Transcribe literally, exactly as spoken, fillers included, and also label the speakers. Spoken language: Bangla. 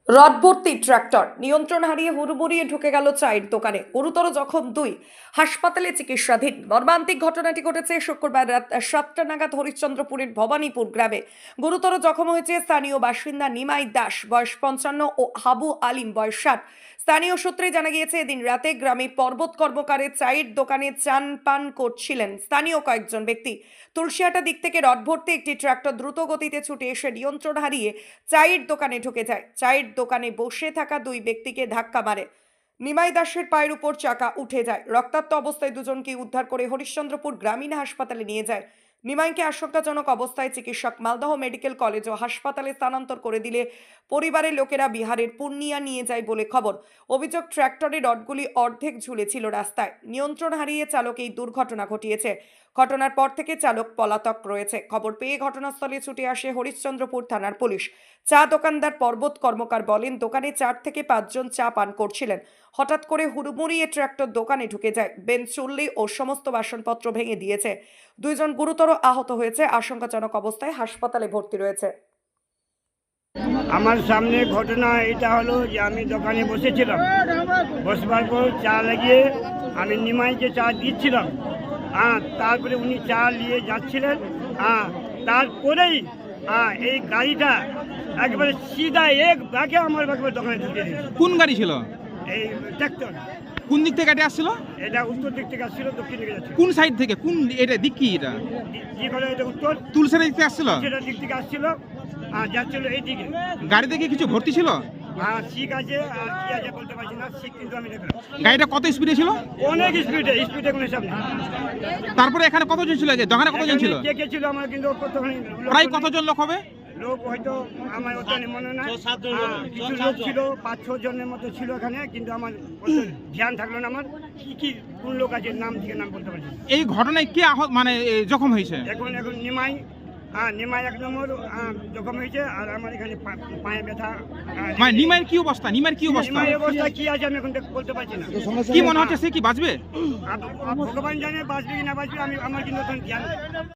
Speaker 1: রডভর্তি ট্রাক্টর নিয়ন্ত্রণ হারিয়ে হুড়মুড়িয়ে ঢুকে গেল চায়ের দোকানে, গুরুতর জখম দুই, হাসপাতালে চিকিৎসাধীন। মর্মান্তিক ঘটনাটি ঘটেছে শুক্রবার রাত সাতটা নাগাদ হরিশ্চন্দ্রপুরের ভবানীপুর গ্রামে। গুরুতর জখম হয়েছে স্থানীয় বাসিন্দা নিমাই দাস, বয়স পঞ্চান্ন, ও হাবু আলিম, বয়স ষাট। স্থানীয় সূত্রে জানা গিয়েছে, এদিন রাতে গ্রামে পর্বত কর্মকারের চায়ের দোকানে চান পান করছিলেন স্থানীয় কয়েকজন ব্যক্তি। তুলসিয়াটা দিক থেকে রডভর্তি একটি ট্রাক্টর দ্রুত গতিতে ছুটে এসে নিয়ন্ত্রণ হারিয়ে চায়ের দোকানে ঢুকে যায়। চায়ের দোকানে বসে থাকা দুই ব্যক্তিকে ধাক্কা মারে। নিমাই দাসের পায়ের উপর চাকা উঠে যায়। রক্তাক্ত অবস্থায় দুজনকে উদ্ধার করে হরিশ্চন্দ্রপুর গ্রামীণ হাসপাতালে নিয়ে যায়। নিমাইকে আশঙ্কাজনক অবস্থায় চিকিৎসক মালদহ মেডিকেল কলেজ ও হাসপাতালে স্থানান্তর করে দিলে পরিবারের লোকেরা বিহারের পূর্ণিয়া নিয়ে যায় বলে খবর। অভিযোগ, ট্র্যাক্টরের রডগুলি অর্ধেক ঝুলেছিল রাস্তায়। নিয়ন্ত্রণ হারিয়ে চালক এই দুর্ঘটনা ঘটিয়েছে। ঘটনার পর থেকে চালক পলাতক রয়েছে। খবর পেয়ে ঘটনাস্থলে ছুটে আসে হরিশ্চন্দ্রপুর থানার পুলিশ। চা দোকানদার পর্বত কর্মকার বলেন, দোকানে চার থেকে পাঁচজন চা পান করছিলেন। হঠাৎ করে হুড়মুড়িয়ে ট্রাক্টর দোকানে ঢুকে যায়। বেঞ্চ, চুল্লি ও সমস্ত বাসনপত্র ভেঙে দিয়েছে। দুইজন গুরুতর আহত হয়েছে, আশঙ্কাজনক অবস্থায় হাসপাতালে ভর্তি রয়েছে।
Speaker 2: আমার সামনে ঘটনা এটা হলো যে আমি দোকানে বসেছিলাম, বসবার পর চা লাগিয়ে আমি নিমাইকে চা দিচ্ছিলাম। হ্যাঁ, তারপরে উনি চা নিয়ে যাচ্ছিলেন। হ্যাঁ, তারপরেই হ্যাঁ এই গাড়িটা একবারে সিধা এক ব্যাগে আমার একবার দোকানে ঢুকে দিয়েছে।
Speaker 3: কোন গাড়ি ছিল?
Speaker 2: এই ট্র্যাক্টর।
Speaker 3: কোন দিক থেকে গাড়ি আসছিল?
Speaker 2: এটা উত্তর দিক থেকে আসছিল, দক্ষিণ দিকে যাচ্ছে।
Speaker 3: কোন সাইড থেকে? কোন এটা দিক কি? এটা
Speaker 2: কি বলে, এটা উত্তর
Speaker 3: তুলসের দিক থেকে আসছিল?
Speaker 2: সেটা দিক থেকে আসছিল আর যাচ্ছিল এই দিকে।
Speaker 3: গাড়িতে কি কিছু ভর্তি ছিল?
Speaker 2: আর শিখ আছে আর কি আছে বলতে পারছি না, শিখ কিন্তু আমি দেখলাম।
Speaker 3: গাড়িটা কত স্পিডে ছিল?
Speaker 2: অনেক স্পিডে, স্পিডে কোনো হিসাব নেই।
Speaker 3: তারপরে এখানে কতজন ছিল? যে দোকানে কতজন ছিল?
Speaker 2: কে কে ছিল আমার কিন্তু কতখানি লোক
Speaker 3: প্রায়
Speaker 2: নেই।
Speaker 3: কতজন লোক হবে?
Speaker 2: লোক হয়তো আমার ওটা মনে নাই। হ্যাঁ, কিছু লোক ছিল, পাঁচ ছ জনের মতো ছিল এখানে, কিন্তু আমার অত ধ্যান থাকলো না। আমার কি কি কোন লোক আছে নাম থেকে নাম বলতে পারছি না।
Speaker 3: এই ঘটনায় কে আহত মানে এ, জখম হয়েছে?
Speaker 2: এখন এখন নিমাই, হ্যাঁ নিমাই এক নম্বর আহ, জখম হয়েছে। আর আমার এখানে পা- পায়ে ব্যথা। আহ,
Speaker 3: মানে নিমাইয়ের কি অবস্থা? নিমাইয়ের কি অবস্থা?
Speaker 2: নিমাইয়ের অবস্থা কি আছে আমি এখন দেখ- বলতে পারছি না।
Speaker 3: কি মনে হচ্ছে সে কি বাঁচবে?
Speaker 2: আর ভগবান জানে বাঁচবে কি না বাঁচবে, আমি আমার কিন্তু এখন ধ্যান